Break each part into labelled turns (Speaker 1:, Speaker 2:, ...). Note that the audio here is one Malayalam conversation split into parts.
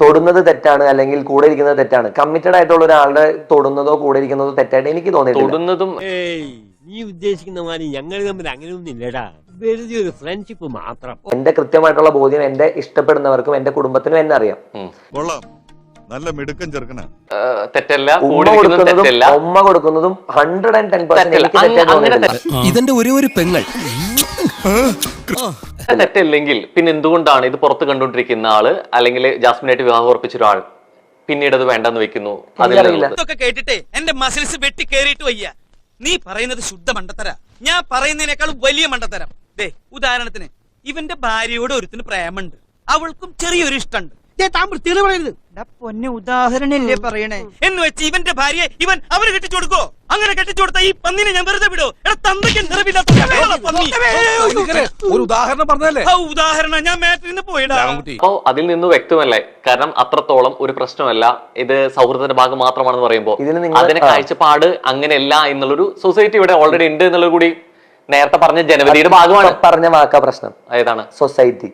Speaker 1: തൊടുന്നത് തെറ്റാണ് അല്ലെങ്കിൽ കൂടെ ഇരിക്കുന്നത് തെറ്റാണ്. കമ്മിറ്റഡ് ആയിട്ടുള്ള ഒരാളുടെ തൊടുന്നതോ കൂടെ ഇരിക്കുന്നതോ തെറ്റായിട്ട് എനിക്ക് തോന്നിയിട്ടില്ല.
Speaker 2: നീ ഉദ്ദേശിക്കുന്ന മാതിരി ഞങ്ങൾ തമ്മിൽ അങ്ങനെയൊന്നും ഇല്ലടാ, വെറുതെ ഒരു ഫ്രണ്ട്ഷിപ്പ് മാത്രം.
Speaker 1: എന്റെ കൃത്യമായിട്ടുള്ള ബോധ്യം എന്റെ ഇഷ്ടപ്പെടുന്നവർക്കും എന്റെ കുടുംബത്തിനും എന്നെ അറിയാം.
Speaker 3: നല്ല മിടുക്കൻ ചെറുക്കനാ.
Speaker 4: തെറ്റല്ല.
Speaker 1: ഉമ്മ കൊടുക്കുന്നതും 110%
Speaker 5: ഇതെന്റെ ഒരു പെങ്ങൾ.
Speaker 4: തെറ്റില്ലെങ്കിൽ പിന്നെ എന്തുകൊണ്ടാണ് ഇത് പുറത്ത് കണ്ടുകൊണ്ടിരിക്കുന്ന ആള് അല്ലെങ്കിൽ ജാസ്മിനായിട്ട് വിവാഹം ഉറപ്പിച്ച ഒരാൾ പിന്നീട് അത് വേണ്ടെന്ന് വെക്കുന്നു?
Speaker 6: ഇതൊക്കെ കേട്ടിട്ടേ എന്റെ മസിൽസ് വെട്ടി കേറിയിട്ട് വയ്യ. നീ പറയുന്നത് ശുദ്ധ മണ്ടത്തര, ഞാൻ പറയുന്നതിനേക്കാളും വലിയ മണ്ടത്തരം. ദേ ഉദാഹരണത്തിന് ഇവന്റെ ഭാര്യയോട് ഒരുത്തിന് പ്രേമുണ്ട്, അവൾക്കും ചെറിയൊരു ഇഷ്ടമുണ്ട്. പൊന്നെ ഉദാഹരണല്ലേ പറയണേ എന്ന് വെച്ച് ഇവന്റെ ഭാര്യയെ ഇവൻ അവര് കെട്ടിച്ചു കൊടുക്കോ? അങ്ങനെ കെട്ടിച്ചു കൊടുത്ത ഈ പന്നിനെ ഞാൻ വെറുതെ വിടോ?
Speaker 3: ഒരു ഉദാഹരണം പറഞ്ഞല്ലേ?
Speaker 6: ഉദാഹരണം ഞാൻ മാറ്റിൽ നിന്ന് പോയിടാ.
Speaker 4: അപ്പോ അതിൽ നിന്ന് വ്യക്തമല്ലേ, കാരണം അത്രത്തോളം ഒരു പ്രശ്നമല്ല ഇത്, സൗഹൃദത്തിന്റെ ഭാഗം മാത്രമാണെന്ന് പറയുമ്പോൾ അതിന്റെ കാഴ്ചപ്പാട് അങ്ങനെയല്ല എന്നുള്ളൊരു സൊസൈറ്റി ഇവിടെ ഓൾറെഡി ഉണ്ട് എന്നുള്ളത് കൂടി നേരത്തെ പറഞ്ഞ ജനവരിയുടെ ഭാഗമാണ്.
Speaker 1: പറഞ്ഞ വാക്കാ പ്രശ്നം.
Speaker 4: ഏതാണ്?
Speaker 1: സൊസൈറ്റി.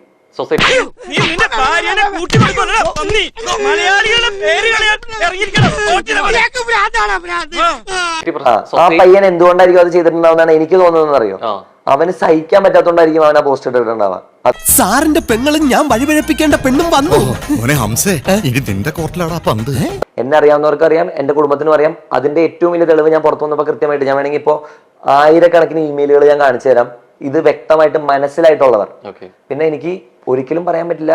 Speaker 1: ആ പയ്യൻ എന്തുകൊണ്ടായിരിക്കും അത് ചെയ്തിട്ടുണ്ടാവുന്നതാണ് എനിക്ക് തോന്നുന്നത് അറിയോ? അവന് സഹിക്കാൻ പറ്റാത്തോണ്ടായിരിക്കും അവൻ ആ പോസ്റ്റ് ഇട്ടിട്ടുണ്ടാവാ.
Speaker 5: സാറിന്റെ പെങ്ങളും ഞാൻ വഴിപഴപ്പിക്കേണ്ട പെണ്ണും വന്നു.
Speaker 1: എന്നെ അറിയാവുന്നവർക്ക് അറിയാം, എന്റെ കുടുംബത്തിനും അറിയാം. അതിന്റെ ഏറ്റവും വലിയ തെളിവ് ഞാൻ പുറത്തു വന്നപ്പോ കൃത്യമായിട്ട് ഞാൻ വേണമെങ്കിൽ ഇപ്പോ 1000കണക്കിന് ഇമെയിലുകൾ ഞാൻ കാണിച്ചു തരാം. ഇത് വ്യക്തമായിട്ട് മനസ്സിലായിട്ടുള്ളവർ. പിന്നെ എനിക്ക് ഒരിക്കലും പറയാൻ പറ്റില്ല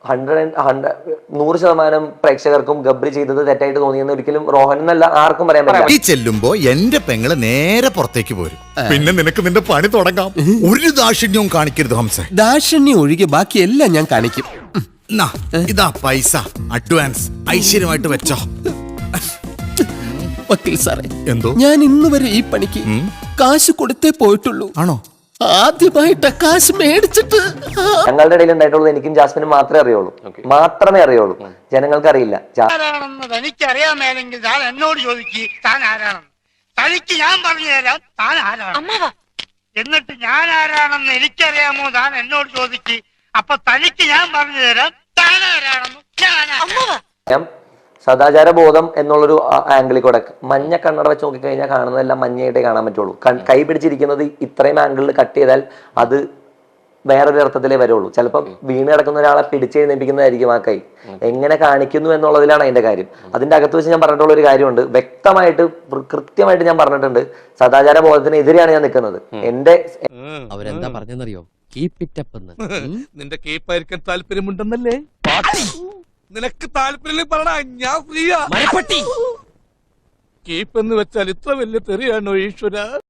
Speaker 1: 100% പ്രേക്ഷകർക്കും ഗബ്രി ചെയ്തത് തെറ്റായിട്ട് തോന്നിയെന്ന് ഒരിക്കലും റോഹൻ എന്നല്ല ആർക്കും പറയാൻ പറ്റില്ല.
Speaker 7: ഈ ചെല്ലുമ്പോ എന്റെ പെങ്ങള് നേരെ പുറത്തേക്ക് പോരും. പിന്നെ നിനക്ക് നിന്റെ പണി തുടങ്ങാം. ഒരു ദാക്ഷിണ്യവും കാണിക്കരുത് ഹംസ.
Speaker 5: ദാക്ഷിണ്യം ഒഴികെ ബാക്കി എല്ലാം ഞാൻ കാണിക്കും.
Speaker 7: ഇതാ പൈസ അഡ്വാൻസ്, ഐശ്വര്യമായിട്ട് വെച്ചോ.
Speaker 5: വക്കീൽ സാറേ,
Speaker 7: എന്തോ
Speaker 5: ഞാൻ ഇന്ന് വരെ ഈ പണിക്ക് കാശ് കൊടുത്തേ പോയിട്ടുള്ളൂ.
Speaker 7: ആണോ?
Speaker 5: ആദ്യമായിട്ട് കാശ് മേടിച്ചിട്ട്.
Speaker 1: ഞങ്ങളുടെ ഇടയിൽ ഉണ്ടായിട്ടുള്ളത് എനിക്കും ജാസ്മിനും മാത്രമേ അറിയുള്ളൂ. ജനങ്ങൾക്ക് അറിയില്ല.
Speaker 8: എനിക്കറിയാമേലെങ്കിൽ താൻ എന്നോട് ചോദിക്ക് താൻ ആരാണെന്ന്. തനിക്ക് ഞാൻ പറഞ്ഞു തരാം താൻ ആരാണ്. എന്നിട്ട് ഞാൻ ആരാണെന്ന് എനിക്കറിയാമോ താൻ എന്നോട് ചോദിക്ക്. അപ്പൊ തനിക്ക് ഞാൻ പറഞ്ഞു തരാം താൻ ആരാണെന്ന്.
Speaker 1: സദാചാര ബോധം എന്നുള്ളൊരു ആംഗിളിൽ കൂടെ മഞ്ഞ കണ്ണട വെച്ച് നോക്കിക്കഴിഞ്ഞാൽ കാണുന്നതെല്ലാം മഞ്ഞയായിട്ടേ കാണാൻ പറ്റുള്ളൂ. കൈ പിടിച്ചിരിക്കുന്നത് ഇത്രയും ആംഗിളിൽ കട്ട് ചെയ്താൽ അത് വേറൊരു അർത്ഥത്തിലേ വരുള്ളൂ. ചിലപ്പോൾ വീണ് കിടക്കുന്ന ഒരാളെ പിടിച്ചെഴുന്നേൽപ്പിക്കുന്നതായിരിക്കും ആ കൈ. എങ്ങനെ കാണിക്കുന്നു എന്നുള്ളതിലാണ് അതിന്റെ കാര്യം. അതിന്റെ അകത്ത് വെച്ച് ഞാൻ പറഞ്ഞിട്ടുള്ള ഒരു കാര്യമുണ്ട്, വ്യക്തമായിട്ട് കൃത്യമായിട്ട് ഞാൻ പറഞ്ഞിട്ടുണ്ട്. സദാചാര ബോധത്തിനെതിരെയാണ് ഞാൻ നിൽക്കുന്നത്. എന്റെ
Speaker 2: അവരെന്താ പറഞ്ഞെന്നറിയോ? കീപ് ഇറ്റ് അപ്പ് എന്ന്.
Speaker 3: നിന്റെ കീപ്പായിരിക്കാൻ താല്പര്യമുണ്ടെന്നല്ലേ? നിനക്ക് താല്പര്യം പറഞ്ഞ ഞാൻ ഫ്രീയാ. കീപ്പ് എന്ന് വെച്ചാൽ ഇത്ര വലിയ തെറിയാണോ ഈശ്വര?